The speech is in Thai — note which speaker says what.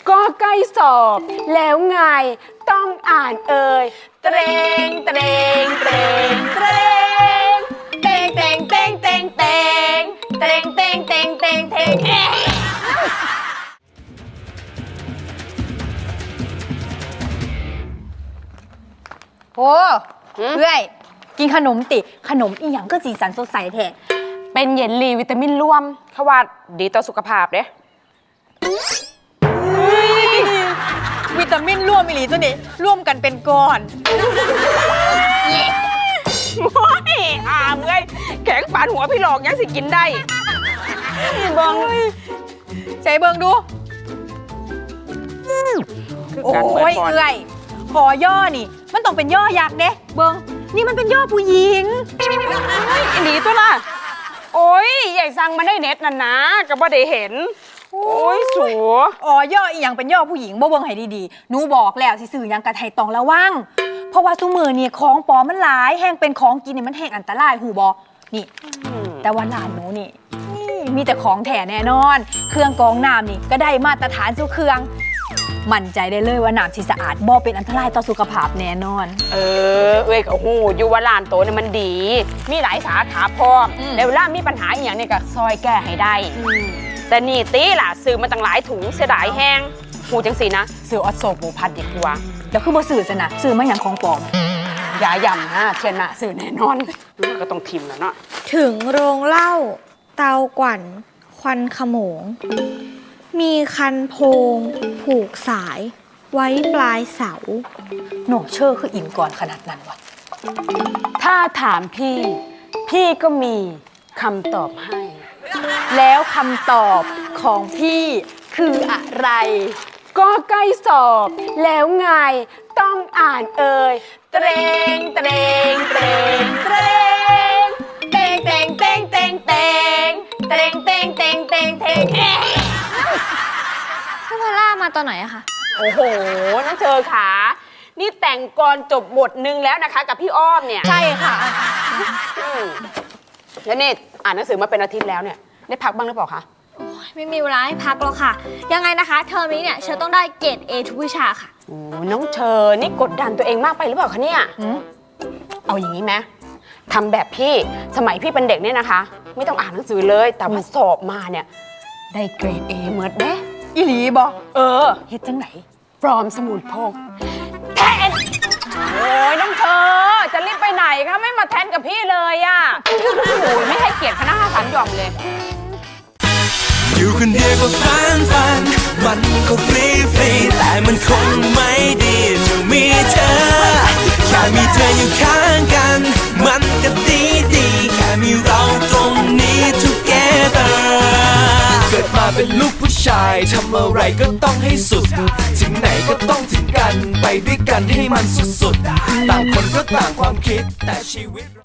Speaker 1: ก็ใกล้สอบแล้วไงต้องอ่านเอ่ยเตรงเตรงเตรงเตรงเตงเตงเตงเตงเตงเตงเตงเตงเตงเตง
Speaker 2: โอ้เพื่อยกินขนมติขนมอีหยังก็สีสันสดใสแท้
Speaker 1: เป็นเยลลี่วิตามินร่วมเขาว่าดีต่อสุขภาพเด้
Speaker 2: วิตามินร่วมอีหลีตัวนี้ร่วมกันเป็นก้อน
Speaker 1: โอ้ยอามเอ้ยแข็งปานหัวพี่หลอกยังสิกินได้เบิ่ง
Speaker 2: ใส่เบิงดู โอ้ยเอื่อยขอย่อนี่ มันต้องเป็นย่อยักษ์เด้เบิงนี่มันเป็นย่อผู้หญิง
Speaker 1: อันนี้ตัวล่ะโอ้ยใหญ่สั่งมาได้เน็ตน่ะนะก็บ่ได้เห็นโอ้ยสัว
Speaker 2: อ๋อย่ออีหยังเป็นย่อผู้หญิงบ่เบิ่งให้ดีๆหนูบอกแล้วสิซื้อหยังกะไทยต้องระวังเพราะว่าซุมื้อนี่ของปลอมมันหลายแห้งเป็นของกินนี่มันแห้งอันตรายหูบ่นี่ แต่ว่าร้านหนูนี่มีแต่ของแท้แน่นอน เครื่องกรองน้ำนี่ก็ได้มาตรฐานสู่เครื่องมั่นใจได้เลยว่าน้ำที่สะอาดบ่เป็นอันตรายต่อสุขภาพแน่นอน
Speaker 1: เอ้ยก็หูอยู่ว่าร้านโตเนี่ยมันดี มีหลายสาขาพร้อมแล้วเวลามีปัญหาอหย่างนี้ก็ซอยแก้ให้ได้แต่นี่ตีล่ะซื้อมาตั้งหลายถุงเสียดายแห้งหูจังสินะซื้อออสโซหมูพัดดีกว่า
Speaker 2: แล้วคือบ่ซื้อซะนะซื้อมาหยังของปลอม
Speaker 1: อย่าย่ำนะเทียนนะซื้อแน่นอนก็ต้องทิมแล้วเนาะ
Speaker 3: ถึงโรงเหล้าเตากวั่นควันขโมง มีคันโพง ผูกสาย ไว้ปลายเสา
Speaker 2: หนูเชื่อคืออินก่อนขนาดนั้นวะ
Speaker 1: ถ้าถามพี่ พี่ก็มีคำตอบให้
Speaker 2: แล้วคำตอบของพี่คืออะไร
Speaker 1: ก็ใกล้สอบแล้วไงต้องอ่านเอ่ยเตรงเตรงเตรงเตรงเตงเตงเตงเตงเตงเตงเตงเตงเตงเตง
Speaker 3: พี่พอลล่ามาตอนไหนอะคะ
Speaker 1: โอ้โหน้องเธอขานี่แต่งกรจบบทหนึ่งแล้วนะคะกับพี่อ้อมเนี่ย
Speaker 2: ใช่ค่ะ
Speaker 1: แล้วนี่อ่านหนังสือมาเป็นอาทิตย์แล้วเนี่ยได้พักบ้างหรือเปล่าคะ
Speaker 3: ไม่มีเวลาให้พักหรอกค่ะ ยังไงนะคะ เทอมนี้เนี่ยเชอต้องได้เกรด A ทุกวิชาค่ะ
Speaker 1: โอ้น้องเชอนี่กดดันตัวเองมากไปหรือเปล่าคะเนี่ยเอาอย่างนี้ไหมทำแบบพี่สมัยพี่เป็นเด็กเนี่ยนะคะ ไม่ต้องอ่านหนังสือเลยแต่พอสอบมาเนี่ยได้เกรด A เหมือนเด้
Speaker 2: อีหลีบอก
Speaker 1: เฮ็ดจังไหนปลอมสมุดพกแทนโอ้ยน้องเชอจะรีบไปไหนคะไม่มาแทนกับพี่เลยอ่ะโอ้ยไม่ให้เกียรติคณะ5 3 หย่อมเลย
Speaker 4: อยู่คนเดียวก็ฟันมันก็ฟรีแต่มันคงไม่ดีจะมีเธอแค่มีเธออยู่ข้างกันมันก็ดีแค่มีเราตรงนี้ together เกิดมาเป็นลูกผู้ชายทำอะไรก็ต้องให้สุดถึงไหนก็ต้องถึงกันไปด้วยกันให้มันสุดๆต่างคนก็ต่างความคิดแต่ชีวิต